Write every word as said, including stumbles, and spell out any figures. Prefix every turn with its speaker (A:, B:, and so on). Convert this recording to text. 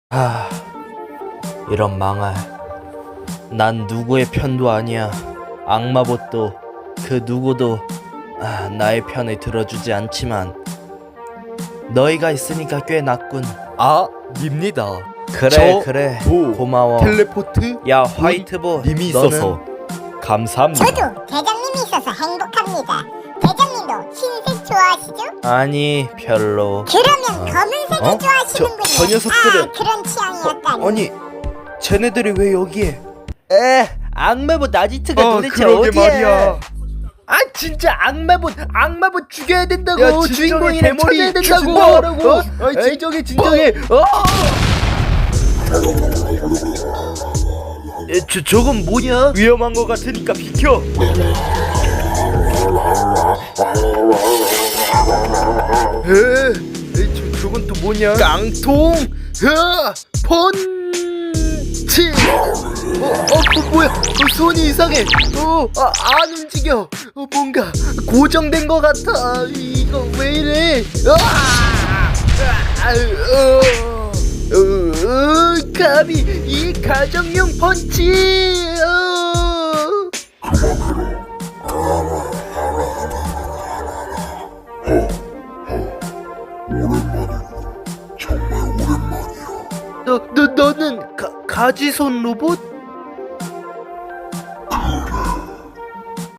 A: 아, 이런 망할. 난 누구의 편도 아니야. 악마봇도 그 누구도 아, 나의 편을 들어주지 않지만 너희가 있으니까 꽤 낫군.
B: 아, 닙니다.
A: 그래
B: 저,
A: 그래
B: 뭐,
A: 고마워.
B: 텔레포트
A: 야 화이트봇
B: 님이
A: 너는?
B: 있어서 감사합니다.
C: 저도 대장님이 있어서 행복합니다. 대장님도 흰색 좋아하시죠?
A: 아니 별로.
C: 그러면 검은색을
A: 어?
C: 좋아하시는군요.
A: 저- 저 녀석들은-
C: 아, 그런 취향이었다니.
A: 아니 쟤네들이 왜 여기에? 에 악마봇 나지트가
B: 아,
A: 도대체
B: 그러게
A: 어디야?
B: 말이야.
A: 아 진짜 악마봇 악마봇 죽여야 된다고.
B: 야, 진정해,
A: 주인공이랑
B: 대머리
A: 찾아야 된다고.
B: 죽인다고.
A: 어? 어이, 진정해 진정해. 어? 에, 저 저건 뭐냐?
B: 위험한 거 같으니까 비켜.
A: 에, 에, 저, 저건 또 뭐냐? 깡통! 으아! 펀치! 어, 어, 뭐, 뭐야? 어, 손이 이상해. 어, 아, 안 움직여. 어, 뭔가 고정된 것 같아. 이거 왜 이래? 아! 아, 어, 어, 어, 감히 이 가정용 펀치! 어. 너, 너, 너는 가, 가지손 로봇?